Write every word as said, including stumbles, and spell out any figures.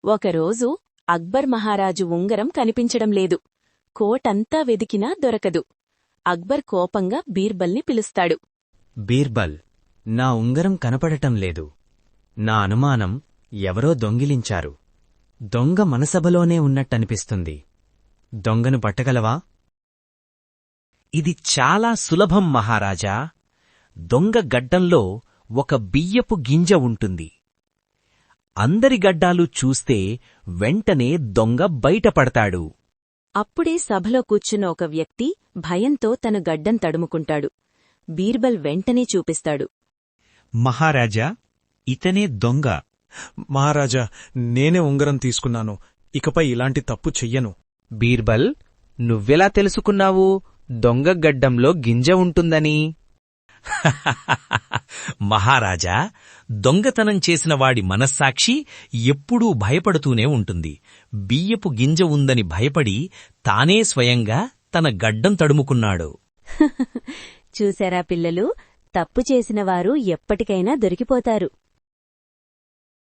ఒకరోజు అక్బర్ మహారాజు ఉంగరం కనిపించడం లేదు. కోటంతా వెదికినా దొరకదు. అక్బర్ కోపంగా బీర్బల్ని పిలుస్తాడు. బీర్బల్, నా ఉంగరం కనపడటం లేదు. నా అనుమానం ఎవరో దొంగిలించారు. దొంగ మనసభలోనే ఉన్నట్టనిపిస్తుంది. దొంగను పట్టగలవా? ఇది చాలా సులభం మహారాజా. దొంగ గడ్డంలో ఒక బియ్యపు గింజ ఉంటుంది. అందరి గడ్డాలు చూస్తే వెంటనే దొంగ బయటపడతాడు. అప్పుడే సభలో కూర్చున్న ఒక వ్యక్తి భయంతో తన గడ్డం తడుముకుంటాడు. బీర్బల్ వెంటనే చూపిస్తాడు. మహారాజా, ఇతనే దొంగ. మహారాజా, నేనే ఉంగరం తీసుకున్నాను. ఇకపై ఇలాంటి తప్పు చెయ్యను. బీర్బల్, నువ్వెలా తెలుసుకున్నావు దొంగ గడ్డంలో గింజ ఉంటుందని? మహారాజా, దొంగతనం చేసినవాడి మనస్సాక్షి ఎప్పుడూ భయపడుతూనే ఉంటుంది. బియ్యపు గింజ ఉందని భయపడి తానే స్వయంగా తన గడ్డం తడుముకున్నాడు. చూశారా పిల్లలు, తప్పు చేసినవారు ఎప్పటికైనా దొరికిపోతారు.